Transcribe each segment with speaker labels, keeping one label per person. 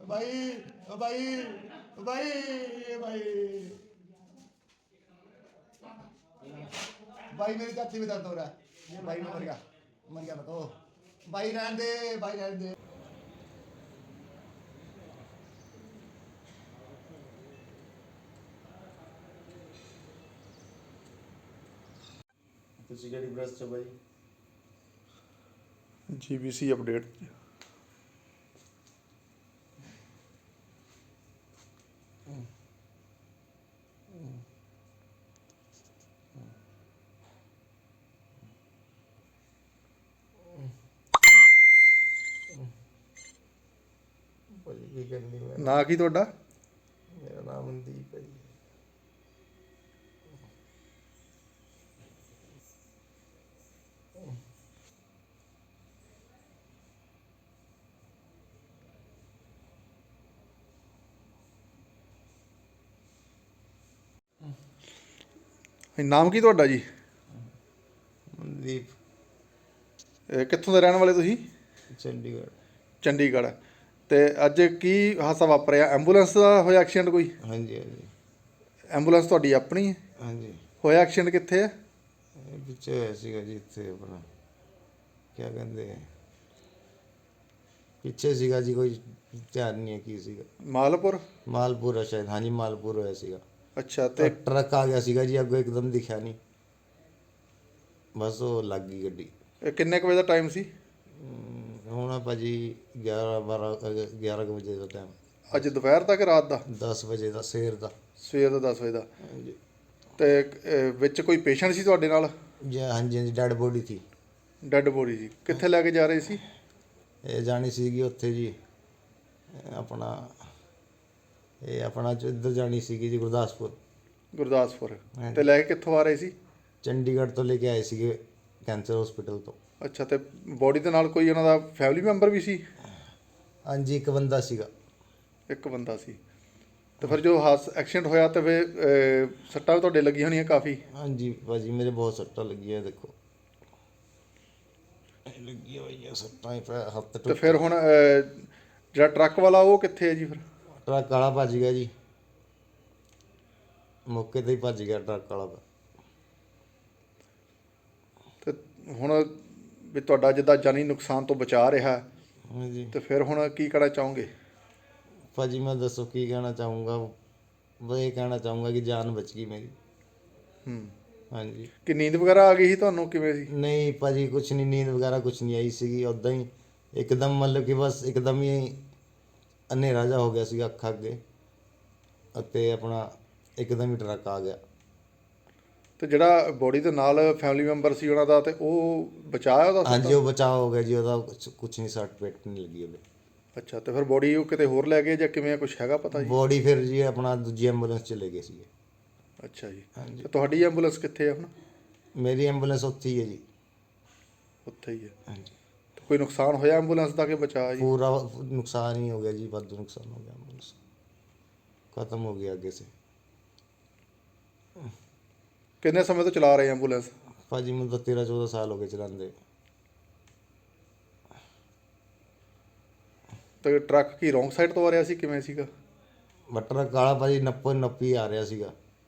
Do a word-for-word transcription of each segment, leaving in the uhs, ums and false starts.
Speaker 1: भाई भाई भाई भाई भाई मेरी चाची में दर्द हो रहा है भाई, मैं मर गया मर गया मैं तो भाई, रहने दे भाई, रहने दे। ਤੁਸੀਂ ਕਿਹੜੀ ਬ੍ਰਸ਼ ਚ ਬਾਈ?
Speaker 2: ਜੀ ਬੀ ਸੀ ਅਪਡੇਟ।
Speaker 1: ਭਾਜੀ ਕੀ ਕਰਨੀ ਮੈਂ?
Speaker 2: ਨਾਂ ਕੀ ਤੁਹਾਡਾ?
Speaker 1: ਮੇਰਾ ਨਾਮ ਮਨਦੀਪ ਹੈ ਜੀ।
Speaker 2: ਨਾਮ ਕੀ ਤੁਹਾਡਾ ਜੀ?
Speaker 1: ਮਨਦੀਪ।
Speaker 2: ਇਹ ਕਿੱਥੋਂ ਦੇ ਰਹਿਣ ਵਾਲੇ ਤੁਸੀਂ?
Speaker 1: ਚੰਡੀਗੜ੍ਹ।
Speaker 2: ਚੰਡੀਗੜ੍ਹ। ਤੇ ਅੱਜ ਕੀ ਹਾਦਸਾ ਵਾਪਰਿਆ? ਐਂਬੂਲੈਂਸ ਦਾ ਹੋਇਆ ਐਕਸੀਡੈਂਟ ਕੋਈ?
Speaker 1: ਹਾਂਜੀ ਹਾਂਜੀ
Speaker 2: ਐਂਬੂਲੈਂਸ ਤੁਹਾਡੀ ਆਪਣੀ ਹੈ?
Speaker 1: ਹਾਂਜੀ।
Speaker 2: ਹੋਇਆ ਐਕਸੀਡੈਂਟ ਕਿੱਥੇ ਹੈ?
Speaker 1: ਇਹ ਪਿੱਛੇ ਹੋਇਆ ਸੀਗਾ ਜੀ, ਇੱਥੇ ਆਪਣਾ ਕਿਆ ਕਹਿੰਦੇ ਆ, ਪਿੱਛੇ ਸੀਗਾ ਜੀ, ਕੋਈ ਧਿਆਨ ਨਹੀਂ ਹੈ ਕੀ ਸੀਗਾ।
Speaker 2: ਮਾਲਪੁਰ?
Speaker 1: ਮਾਲਪੁਰ ਆ ਸ਼ਾਇਦ, ਹਾਂਜੀ ਮਾਲਪੁਰ ਹੋਇਆ ਸੀਗਾ।
Speaker 2: ਅੱਛਾ।
Speaker 1: ਤੇ
Speaker 2: ਤੇ
Speaker 1: ਟਰੱਕ ਆ ਗਿਆ ਸੀਗਾ ਜੀ ਅੱਗੋਂ, ਇੱਕਦਮ ਦਿਖਿਆ ਨਹੀਂ, ਬਸ ਉਹ ਲੱਗ ਗਈ ਗੱਡੀ।
Speaker 2: ਇਹ ਕਿੰਨੇ ਕੁ ਵਜੇ ਦਾ ਟਾਈਮ ਸੀ?
Speaker 1: ਹਮ, ਹੁਣ ਆ ਭਾਜੀ ਗਿਆਰਾਂ ਬਾਰਾਂ ਗਿਆਰਾਂ ਕੁ ਵਜੇ ਦਾ ਟਾਈਮ।
Speaker 2: ਅੱਜ ਦੁਪਹਿਰ ਤੱਕ, ਰਾਤ ਦਾ?
Speaker 1: ਦਸ ਵਜੇ ਦਾ, ਸਵੇਰ ਦਾ।
Speaker 2: ਸਵੇਰ ਦਾ ਦਸ ਵਜੇ ਦਾ।
Speaker 1: ਹਾਂਜੀ
Speaker 2: ਤੇ ਅਹ, ਵਿੱਚ ਕੋਈ ਪੇਸ਼ੈਂਟ ਸੀ ਤੁਹਾਡੇ ਨਾਲ?
Speaker 1: ਜੀ ਹਾਂਜੀ ਹਾਂਜੀ, ਡੈਡ ਬੋਡੀ ਸੀ।
Speaker 2: ਡੈੱਡ ਬੋਡੀ ਸੀ? ਕਿੱਥੇ ਲੈ ਕੇ ਜਾ ਰਹੇ ਸੀ?
Speaker 1: ਇਹ ਜਾਣੀ ਸੀਗੀ ਉੱਥੇ ਜੀ, ਇਹ ਆਪਣਾ ਇਹ ਆਪਣਾ ਚ- ਇੱਧਰ ਜਾਣੀ ਸੀਗੀ ਜੀ, ਗੁਰਦਾਸਪੁਰ।
Speaker 2: ਗੁਰਦਾਸਪੁਰ।
Speaker 1: ਹਾਂਜੀ।
Speaker 2: ਤੇ ਲੈ ਕੇ ਕਿੱਥੋਂ ਆ ਰਹੇ ਸੀ?
Speaker 1: ਚੰਡੀਗੜ੍ਹ ਤੋਂ ਲੈ ਕੇ ਆਏ ਸੀਗੇ, ਕੈਂਸਰ ਹਸਪੀਟਲ ਤੋਂ।
Speaker 2: ਅੱਛਾ। ਤੇ ਬੋਡੀ ਦੇ ਨਾਲ ਕੋਈ ਉਹਨਾਂ ਦਾ ਫੈਮਿਲੀ ਮੈਂਬਰ ਵੀ ਸੀ?
Speaker 1: ਹਾਂਜੀ, ਇੱਕ ਬੰਦਾ ਸੀਗਾ।
Speaker 2: ਇੱਕ ਬੰਦਾ ਸੀ। ਤੇ ਫਿਰ ਜੋ ਹਾਸ ਐਕਸੀਡੈਂਟ ਹੋਇਆ ਤੇ ਫਿਰ ਅਹ, ਸੱਟਾਂ ਵੀ ਤੁਹਾਡੇ ਲੱਗੀਆਂ ਹੋਣੀਆਂ ਕਾਫੀ?
Speaker 1: ਹਾਂਜੀ ਭਾਜੀ, ਮੇਰੇ ਬਹੁਤ ਸੱਟਾਂ ਲੱਗੀਆਂ, ਦੇਖੋ ਇਹ ਲੱਗੀਆਂ ਹੋਈਆਂ ਸੱਟਾਂ, ਪੈ ਹੱਥ
Speaker 2: ਤੇ
Speaker 1: ਟੁੱਟ।
Speaker 2: ਫਿਰ ਹੁਣ ਅਹ, ਜਿਹੜਾ ਟਰੱਕ ਵਾਲਾ ਉਹ ਕਿੱਥੇ ਹੈ ਜੀ ਫਿਰ?
Speaker 1: ਟਰੱਕ ਵਾਲਾ ਭੱਜ ਗਿਆ ਜੀ, ਮੌਕੇ ਤੇ ਹੀ ਭੱਜ ਗਿਆ ਟਰੱਕ ਵਾਲਾ।
Speaker 2: ਤੇ ਹੁਣ ਵੀ ਤੁਹਾਡਾ ਜਿੱਦਾਂ ਜਾਨੀ ਨੁਕਸਾਨ ਤੋਂ ਬਚਾ ਰਿਹਾ,
Speaker 1: ਹਾਂਜੀ
Speaker 2: ਤੇ ਫਿਰ ਹੁਣ ਕੀ ਕਰਨਾ ਚਾਹੋਗੇ?
Speaker 1: ਭਾਜੀ ਮੈਂ ਦੱਸੋ ਕੀ ਕਹਿਣਾ ਚਾਹੂँਗਾ, ਬਸ ਇਹ ਕਹਿਣਾ ਚਾਹੂँਗਾ ਕਿ ਜਾਨ ਬਚ ਗਈ ਮੇਰੀ।
Speaker 2: ਹੂੰ।
Speaker 1: ਹਾਂਜੀ।
Speaker 2: ਕਿ ਨੀਂਦ ਵਗੈਰਾ ਆ ਗਈ ਸੀ ਤੁਹਾਨੂੰ, ਕਿਵੇਂ ਸੀ?
Speaker 1: ਨਹੀਂ ਭਾਜੀ, ਕੁਛ ਨਹੀਂ, ਨੀਂਦ ਵਗੈਰਾ ਕੁਛ ਨਹੀਂ ਆਈ ਸੀਗੀ, ਉੱਦਾਂ ਹੀ ਇੱਕਦਮ, ਮਤਲਬ ਕਿ ਬਸ ਇੱਕਦਮ ਹੀ ਹਨੇਰਾ ਜਿਹਾ ਹੋ ਗਿਆ ਸੀਗਾ ਅੱਖਾਂ ਅੱਗੇ, ਅਤੇ ਆਪਣਾ ਇੱਕਦਮ ਹੀ ਟਰੱਕ ਆ ਗਿਆ।
Speaker 2: ਤੇ ਜਿਹੜਾ ਬੋਡੀ ਦੇ ਨਾਲ ਫੈਮਿਲੀ ਮੈਂਬਰ ਸੀ ਉਹਨਾਂ ਦਾ, ਤੇ ਉਹ ਬਚਾਇਆ ਉਹਦਾ
Speaker 1: ਹਾਂਜੀ,
Speaker 2: ਸੱਟਾਂ?
Speaker 1: ਉਹ ਬਚਾਅ ਹੋ ਗਿਆ ਜੀ, ਉਹਦਾ ਕੁਛ ਕੁਛ ਨਹੀਂ, ਸੱਟ ਪੇਟ ਨਹੀਂ ਲੱਗੀ ਉਹਦੇ।
Speaker 2: ਅੱਛਾ। ਤੇ ਫਿਰ ਬੋਡੀ ਉਹ ਕਿਤੇ ਹੋਰ ਲੈ ਗਏ ਜਾਂ ਕਿਵੇਂ, ਕੁਝ ਹੈਗਾ ਪਤਾ ਜੀ?
Speaker 1: ਬੋਡੀ ਫਿਰ ਜੀ ਆਪਣਾ ਦੂਜੀ ਐਂਬੂਲੈਂਸ 'ਚ ਲੈ ਗਏ ਸੀਗੇ।
Speaker 2: ਅੱਛਾ ਜੀ।
Speaker 1: ਹਾਂਜੀ।
Speaker 2: ਤੇ ਤੁਹਾਡੀ ਐਂਬੂਲੈਂਸ ਕਿੱਥੇ ਹੈ ਹੁਣ?
Speaker 1: ਮੇਰੀ ਐਂਬੂਲੈਂਸ ਉੱਥੇ ਹੀ ਹੈ ਜੀ।
Speaker 2: ਉੱਥੇ ਹੀ ਹੈ।
Speaker 1: ਹਾਂਜੀ।
Speaker 2: ਤੇ ਕੋਈ ਨੁਕਸਾਨ ਹੋਇਆ ਐਂਬੂਲੈਂਸ ਦਾ ਕਿ ਬਚਾ ਜੀ?
Speaker 1: ਪੂਰਾ ਨੁਕਸਾਨ ਹੀ ਹੋ ਗਿਆ ਜੀ, ਵਾਧੂ ਨੁਕਸਾਨ ਹੋ ਗਿਆ, ਐਂਬੂਲੈਂਸ ਖਤਮ ਹੋ ਗਿਆ ਅੱਗੇ ਸੇ।
Speaker 2: ਕਿੰਨੇ ਸਮੇਂ ਤੋਂ ਚਲਾ ਰਹੇ ਐਂਬੂਲੈਂਸ?
Speaker 1: ਭਾਜੀ ਮੈਨੂੰ ਤਾਂ ਤੇਰਾਂ ਚੌਦਾਂ ਸਾਲ ਹੋ ਗਏ ਚਲਾਉਂਦੇ।
Speaker 2: ਤੇ ਟਰੱਕ ਕੀ ਰੋਂਗ ਸਾਈਡ ਤੋਂ ਆ ਰਿਹਾ ਸੀ, ਕਿਵੇਂ ਸੀਗਾ?
Speaker 1: ਬਟਰ ਕਾਲਾ ਭਾਜੀ ਨੱਪੋ ਨੱਪੀ ਆ ਰਿਹਾ ਸੀਗਾ,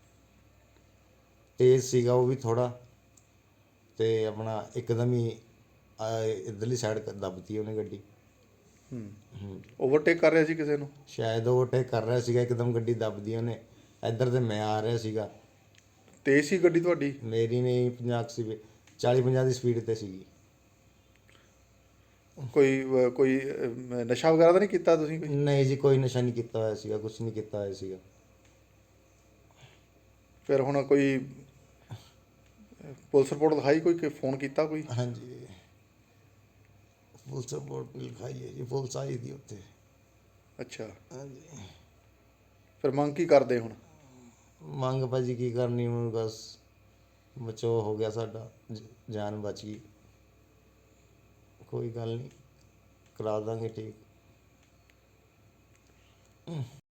Speaker 1: ਤੇਜ਼ ਸੀਗਾ ਉਹ ਵੀ ਥੋੜਾ, ਤੇ ਆਪਣਾ ਇੱਕਦਮ ਹੀ ਆ ਇੱਧਰਲੀ ਸਾਈਡ ਦੱਬਤੀ ਉਹਨੇ ਗੱਡੀ।
Speaker 2: ਹੂੰ।
Speaker 1: ਹੂੰ।
Speaker 2: ਓਵਰਟੇਕ ਕਰ ਰਿਹਾ ਸੀ ਕਿਸੇ ਨੂੰ?
Speaker 1: ਸ਼ਾਇਦ ਓਵਰਟੇਕ ਕਰ ਰਿਹਾ ਸੀਗਾ, ਇੱਕਦਮ ਗੱਡੀ ਦੱਬਦੀ ਉਹਨੇ। ਇੱਧਰ ਤੇ ਮੈਂ ਆ ਰਿਹਾ ਸੀਗਾ।
Speaker 2: ਤੇਜ਼ ਸੀ ਗੱਡੀ ਤੁਹਾਡੀ?
Speaker 1: ਮੇਰੀ ਨਹੀਂ, ਪੰਜਾਹ ਕੁ ਸੀ, ਚਾਲੀ ਪੰਜਾਹ ਦੀ ਸਪੀਡ ਤੇ ਸੀਗੀ।
Speaker 2: ਕੋਈ ਅਹ, ਕੋਈ ਅਹ, ਨਸ਼ਾ ਵਗੈਰਾ ਤਾਂ ਨਹੀਂ ਕੀਤਾ ਤੁਸੀਂ ਕੋਈ?
Speaker 1: ਨਹੀਂ ਜੀ, ਕੋਈ ਨਸ਼ਾ ਨਹੀਂ ਕੀਤਾ ਹੋਇਆ ਸੀਗਾ, ਕੁਛ ਨਹੀਂ ਕੀਤਾ ਹੋਇਆ ਸੀਗਾ।
Speaker 2: ਫਿਰ ਹੁਣ ਕੋਈ ਪੁਲਿਸ ਰਿਪੋਰਟ ਲਿਖਾਈ, ਕੋਈ ਕਿ ਫੋਨ ਕੀਤਾ ਕੋਈ?
Speaker 1: ਹਾਂਜੀ, ਪੁਲਿਸ ਰਿਪੋਰਟ ਲਿਖਾਈ ਹੈ ਜੀ, ਪੁਲਿਸ ਆਈ ਦੀ ਉੱਥੇ।
Speaker 2: ਅੱਛਾ।
Speaker 1: ਹਾਂਜੀ।
Speaker 2: ਫਿਰ ਮੰਗ ਕੀ ਕਰਦੇ ਹੁਣ?
Speaker 1: ਮੰਗ ਭਾਜੀ ਕੀ ਕਰਨੀ ਹੁਣ, ਬਸ ਬਚਾਓ ਹੋ ਗਿਆ ਸਾਡਾ, ਜ- ਜਾਨ ਬਚ ਗਈ। ਕੋਈ ਗੱਲ ਨਹੀਂ, ਕਰਾ ਦਾਂਗੇ ਠੀਕ।